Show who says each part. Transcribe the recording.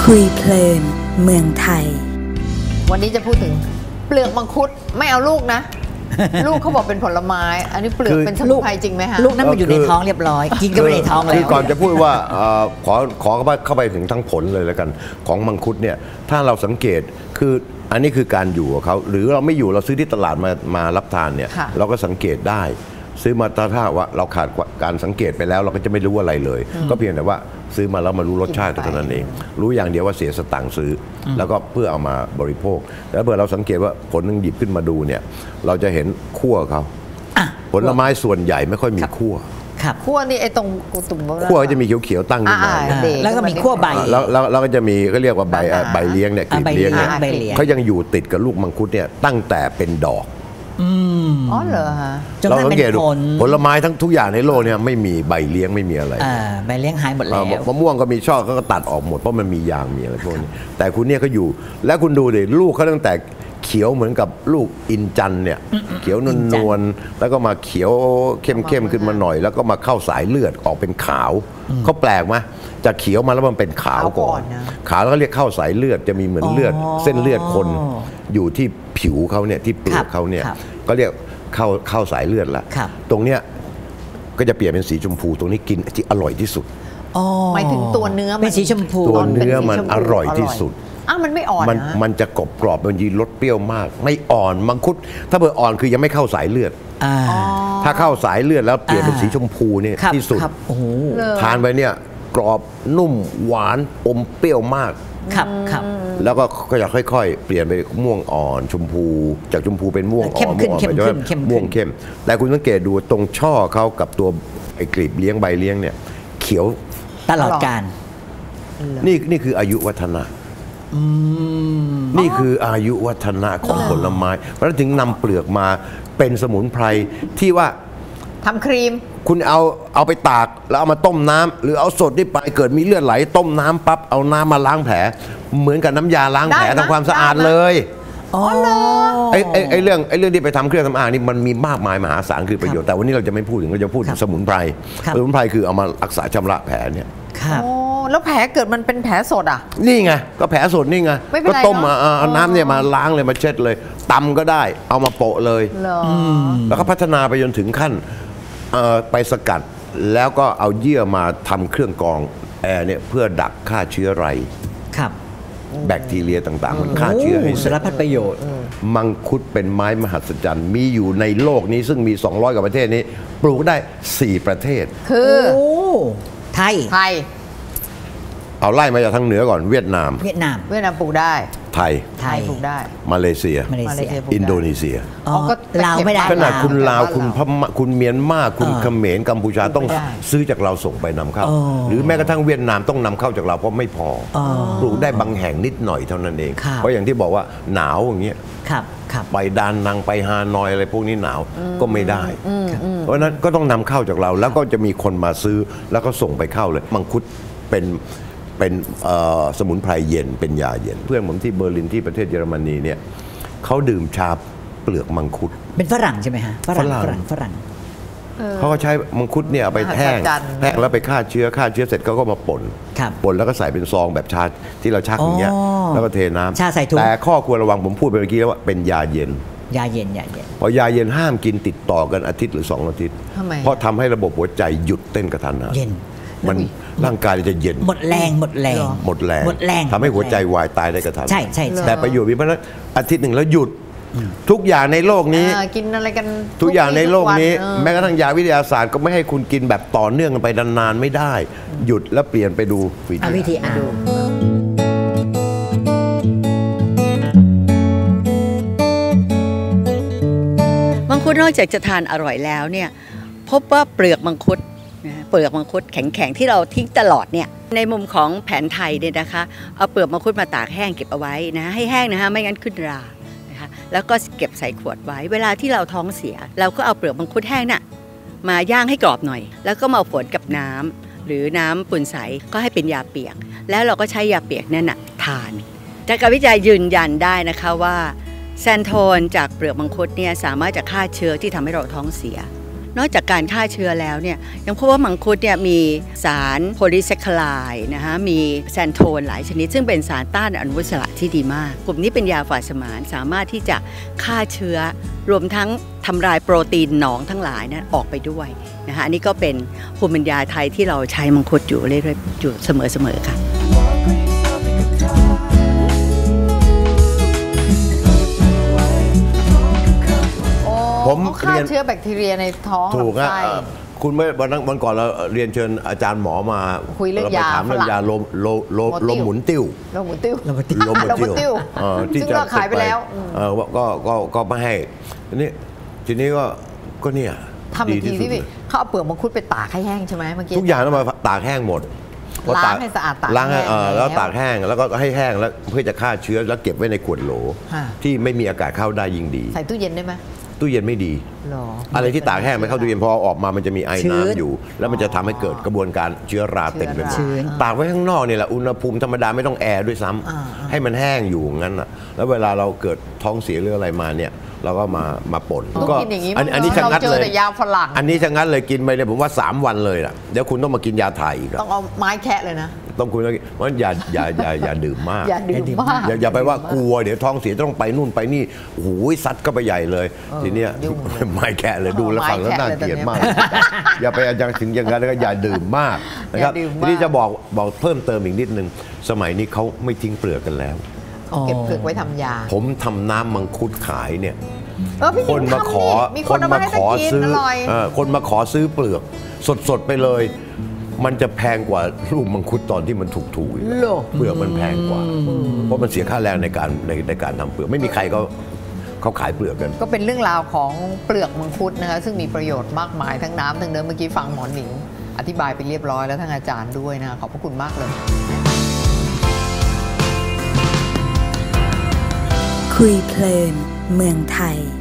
Speaker 1: คุยเพลินเมืองไทย
Speaker 2: วันนี้จะพูดถึงเปลือกมังคุดไม่เอาลูกนะ ลูกเขาบอกเป็นผลไม้ อันนี้เปลือกเป็นสมุนไพรจริงไหมฮะ
Speaker 3: ลูกนั้นมันอยู่ในท้องเรียบร้อยกินก็ไม่ในท้องแล้ว
Speaker 4: คือก่อนจะพูดว่าขอเข้าไปถึงทั้งผลเลยแล้วกันของมังคุดเนี่ยถ้าเราสังเกตคืออันนี้คือการอยู่ของเขาหรือเราไม่อยู่เราซื้อที่ตลาดมารับทานเนี่ยเราก็สังเกตได้ซื้อมาถ้าว่าเราขาดการสังเกตไปแล้วเราก็จะไม่รู้อะไรเลยก็เพียงแต่ว่าซื้อมาแล้วมารู้รสชาติเท่านั้นเองรู้อย่างเดียวว่าเสียสตางค์ซื้อแล้วก็เพื่อเอามาบริโภคแล้วเมื่อเราสังเกตว่าผลนึงหยิบขึ้นมาดูเนี่ยเราจะเห็นขั้วเขาผลไม้ส่วนใหญ่ไม่ค่อยมีขั้ว
Speaker 2: ขั้วนี่ไอ้ตรงตุ่ม
Speaker 4: ขั้วจะมีเขียวๆตั้งขึ้นมา
Speaker 3: แล้วก็มีขั้วใบ
Speaker 4: แล้วก็จะมีก็เรียกว่าใบเลี้ยงเนี่ยกลีบเลี้ยงเนี่ยเขายังอยู่ติดกับลูกมังคุดเนี่ยตั้งแต่เป็นดอก
Speaker 2: อ๋อเหรอฮะ
Speaker 4: เราสังเกตผลไม้ทุกอย่างในโลกเนี่ยไม่มีใบเลี้ยงไม่มีอะไร
Speaker 3: ใบเลี้ยงหายหมดแล้ว
Speaker 4: มะม่วงก็มีช่อเขาก็ตัดออกหมดเพราะมันมียางมีอะไรพวกนี้แต่คุณเนี่ยเขาอยู่แล้วคุณดูดิลูกเขาตั้งแต่เขียวเหมือนกับลูกอินจันเนี่ยเขียวนวลแล้วก็มาเขียวเข้มขึ้นมาหน่อยแล้วก็มาเข้าสายเลือดออกเป็นขาวเขาแปลกไหมจากเขียวมาแล้วมันเป็นขาวก่อนขาวแล้วก็เรียกเข้าสายเลือดจะมีเหมือนเลือดเส้นเลือดคนอยู่ที่ผิวเขาเนี่ยที่เปลือกเขาเนี่ยก็เรียกเข้าสายเลือดละตรงเนี้ยก็จะเปลี่ยนเป็นสีชมพูตรงนี้กินที่อร่อยที่สุด
Speaker 2: หมายถึงตัวเนื้อ
Speaker 3: เป็นสีชมพู
Speaker 4: ตัวเนื้อมันอร่อยที่สุด
Speaker 2: มันไม่อ่อน
Speaker 4: มันจะกรอบมันยีรสเปรี้ยวมากไม่อ่อนมังคุดถ้าเบอร์อ่อนคือยังไม่เข้าสายเลือดถ้าเข้าสายเลือดแล้วเปลี่ยนเป็นสีชมพูเนี่ยที่สุดทานไปเนี่ยกรอบนุ่มหวานอมเปรี้ยวมากแล้วก็จะค่อยๆเปลี่ยนไปม่วงอ่อนชมพูจากชมพูเป็นม่วงอ่อนม่วงเข้มแต่คุณสังเกตดูตรงช่อเขากับตัวไอ้กลีบเลี้ยงใบเลี้ยงเนี่ยเขียว
Speaker 3: ตลอดกาล
Speaker 4: นี่คืออายุวัฒนะนี่คืออายุวัฒนะของผลไม้เพราะฉะนั้นถึงนำเปลือกมาเป็นสมุนไพรที่ว่า
Speaker 2: ทำครีม
Speaker 4: คุณเอาไปตากแล้วเอามาต้มน้ำหรือเอาสดนี่ไปเกิดมีเลือดไหลต้มน้ำปั๊บเอาน้ำมาล้างแผลเหมือนกับน้ำยาล้างแผลทำความสะอาดเลยไอ้เรื่องที่ไปทำเครื่องสำอางนี่มันมีมากมายมหาศาลคือประโยชน์แต่วันนี้เราจะไม่พูดถึงเราจะพูดถึงสมุนไพรคือเอามารักษาชำระแผลเนี่ย
Speaker 2: แล้วแผลเกิดมันเป็นแผลสดอ่ะ
Speaker 4: นี่ไงก็แผลสดนี่ไงก็ต้มเอาน้ำเนี่ยมาล้างเลยมาเช็ดเลยตำก็ได้เอามาโปะเลยแล้วก็พัฒนาไปจนถึงขั้นไปสกัดแล้วก็เอาเยื่อมาทำเครื่องกรองแอร์เนี่ยเพื่อดักฆ่าเชื้อไรแบคทีเรียต่างๆมันฆ่าเชื้อให้
Speaker 3: สารพัดประโยชน์
Speaker 4: มังคุดเป็นไม้มหัศจรรย์มีอยู่ในโลกนี้ซึ่งมี200กว่าประเทศนี้ปลูกได้4ประเทศ
Speaker 2: คือ
Speaker 3: ไทย
Speaker 4: เอาไล่มาจากทางเหนือก่อนเวียดนาม
Speaker 2: ปลูกได้
Speaker 4: ไทย
Speaker 2: ปลูกได้
Speaker 4: มาเลเซียอินโดนีเซีย
Speaker 2: ก็
Speaker 3: ลาวไม่ได้
Speaker 4: ขนาดคุณลาวคุณพม่าคุณเมียนมาคุณเขมรกัมพูชาต้องซื้อจากเราส่งไปนำเข้าหรือแม้กระทั่งเวียดนามต้องนำเข้าจากเราเพราะไม่พอปลูกได้บางแห่งนิดหน่อยเท่านั้นเองเพราะอย่างที่บอกว่าหนาวอย่างเงี้ยไปดานังไปฮานอยอะไรพวกนี้หนาวก็ไม่ได้เพราะนั้นก็ต้องนำเข้าจากเราแล้วก็จะมีคนมาซื้อแล้วก็ส่งไปเข้าเลยมังคุดเป็นสมุนไพรเย็นเป็นยาเย็นเพื่อนผมที่เบอร์ลินที่ประเทศเยอรมนีเนี่ยเขาดื่มชาเปลือกมังคุด
Speaker 3: เป็นฝรั่งใช่ไหมฮะฝรั่ง
Speaker 4: เขาก็ใช้มังคุดเนี่ยเอาไปแห้งแล้วไปฆ่าเชื้อเสร็จเขาก็มาป่นแล้วก็ใส่เป็นซองแบบชาที่เราชักอย่างเงี้ยแล้วก็เทน้ำ
Speaker 3: ชาใส่ถุง
Speaker 4: แต่ข้อควรระวังผมพูดไปเมื่อกี้แล้วว่าเป็นยาเย็นพอยาเย็นห้ามกินติดต่อกันอาทิตย์หรือ2 อาทิตย์เพราะทำให้ระบบหัวใจหยุดเต้นกระทันหันมันร่างกายจะเย็น
Speaker 3: หมดแรง
Speaker 4: ทำให้หัวใจวายตายได้กระทัน
Speaker 3: ใช่
Speaker 4: แต่ประโยชน์มีเพราะนั้นอาทิตย์หนึ่งแล้วหยุดทุกอย่างในโลกนี้
Speaker 2: กินอะไรกัน
Speaker 4: ทุกอย่างในโลกนี้แม้กระทั่งยาวิทยาศาสตร์ก็ไม่ให้คุณกินแบบต่อเนื่องกันไปนานๆไม่ได้หยุดแล้วเปลี่ยนไปดู
Speaker 3: วิธี
Speaker 5: มังคุดนอกจากจะทานอร่อยแล้วเนี่ยพบว่าเปลือกมังคุดแข็งๆที่เราทิ้งตลอดเนี่ยในมุมของแผนไทยเนี่ยนะคะเอาเปลือกมังคุดมาตากแห้งเก็บเอาไว้นะให้แห้งนะคะไม่งั้นขึ้นรานะคะแล้วก็เก็บใส่ขวดไว้เวลาที่เราท้องเสียเราก็เอาเปลือกมังคุดแห้งน่ะมาย่างให้กรอบหน่อยแล้วก็มาฝนกับน้ำหรือน้ำปุ่นใสก็ให้เป็นยาเปียกแล้วเราก็ใช้ยาเปียกนั่นน่ะทานจากการวิจัยยืนยันได้นะคะว่าแซนโทนจากเปลือกมังคุดเนี่ยสามารถจะฆ่าเชื้อที่ทำให้เราท้องเสียนอกจากการฆ่าเชื้อแล้วเนี่ยยังพบว่ามังคุดเนี่ยมีสารโพลีแซคคาไลด์นะคะมีแซนโทนหลายชนิดซึ่งเป็นสารต้านอนุมูลอิสระที่ดีมากกลุ่มนี้เป็นยาฝาดสมานสามารถที่จะฆ่าเชื้อรวมทั้งทำลายโปรตีนหนองทั้งหลายนั้นออกไปด้วยนะคะอันนี้ก็เป็นภูมิปัญญาไทยที่เราใช้มังคุดอยู่เรื่อยๆอยู่เสมอๆค่ะ
Speaker 2: ผมฆ่าเชื้อแบคทีเรียในท้องถูกนะ
Speaker 4: คุณเมื่อวันก่อนเราเรียนเชิญอาจารย์หมอมา
Speaker 2: คุยเรื่องยา
Speaker 4: ถามเรื่องยาลมหมุนติ้ว
Speaker 2: ที่จะขายไปแล้ว
Speaker 4: ก็ไม่ให้ทีนี้ก็เนี่ย
Speaker 2: ทำอีกทีที่เขาเอาเปลือกมังคุดไปตากให้แห้งใช่ไหมเมื่อกี้
Speaker 4: ทุกอย่างต้องมาตากแห้งหมด
Speaker 2: ล้างให้สะอาดตาก
Speaker 4: ล้างแล้วตากแห้งแล้วก็ให้แห้งแล้วเพื่อจะฆ่าเชื้อแล้วเก็บไว้ในขวดโหลที่ไม่มีอากาศเข้าได้ยิ่งดี
Speaker 2: ใส่ตู้เย็นได้ไหม
Speaker 4: ตู้เย็นไม่ดีอะไรที่ตากแห้งไม่เข้าตู้เย็นพอออกมามันจะมีไอน้ำอยู่แล้วมันจะทำให้เกิดกระบวนการเชื้อราเต็มไปหมดตากไว้ข้างนอกนี่แหละอุณหภูมิธรรมดาไม่ต้องแอร์ด้วยซ้ำให้มันแห้งอยู่งั้นอ่ะแล้วเวลาเราเกิดท้องเสียหรืออะไรมาเนี่ยเราก็มาป่น
Speaker 2: ก็
Speaker 4: อันนี้ชะงัดเลย
Speaker 2: ยาฝรั่ง
Speaker 4: อันนี้ชะงัดเลยกินไปเลยผมว่า3 วันเลยล่ะเดี๋ยวคุณต้องมากินยาถ่ายอีก
Speaker 2: ต้องเอาไม้แคะเลยนะ
Speaker 4: ต้องคุณเพราะอย่าดื่มมาก
Speaker 2: อย่าดื่มมาก
Speaker 4: อย่าไปว่ากลัวเดี๋ยวท้องเสียต้องไปนู่นไปนี่โอ้โหซัดก็ไปใหญ่เลยทีเนี้ยไม่แค่เลยดูแล้วฟังแล้วน่าเกลียดมากอย่าไปถึงอย่างนั้นแล้วก็อย่าดื่มมากนะครับทีนี้จะบอกเพิ่มเติมอีกนิดนึงสมัยนี้เขาไม่ทิ้งเปลือกกันแล้ว
Speaker 2: เก็บเปลือกไว้ทำยา
Speaker 4: ผมทำน้ำมังคุดขายเนี่ย
Speaker 2: คนมาขอ
Speaker 4: ซื้อเปลือกสดๆไปเลยมันจะแพงกว่าลูกมังคุดตอนที่มันถูกๆอีกเปลือกมันแพงกว่าเพราะมันเสียค่าแรงในการทำเปลือกไม่มีใครเขาขายเปลือกกัน
Speaker 2: ก็เป็นเรื่องราวของเปลือกมังคุดนะคะซึ่งมีประโยชน์มากมายทั้งน้ำทั้งเนื้อเมื่อกี้ฟังหมอหนิงอธิบายไปเรียบร้อยแล้วทั้งอาจารย์ด้วยนะขอบพระคุณมากเลย
Speaker 1: คุยเพลินเมืองไทย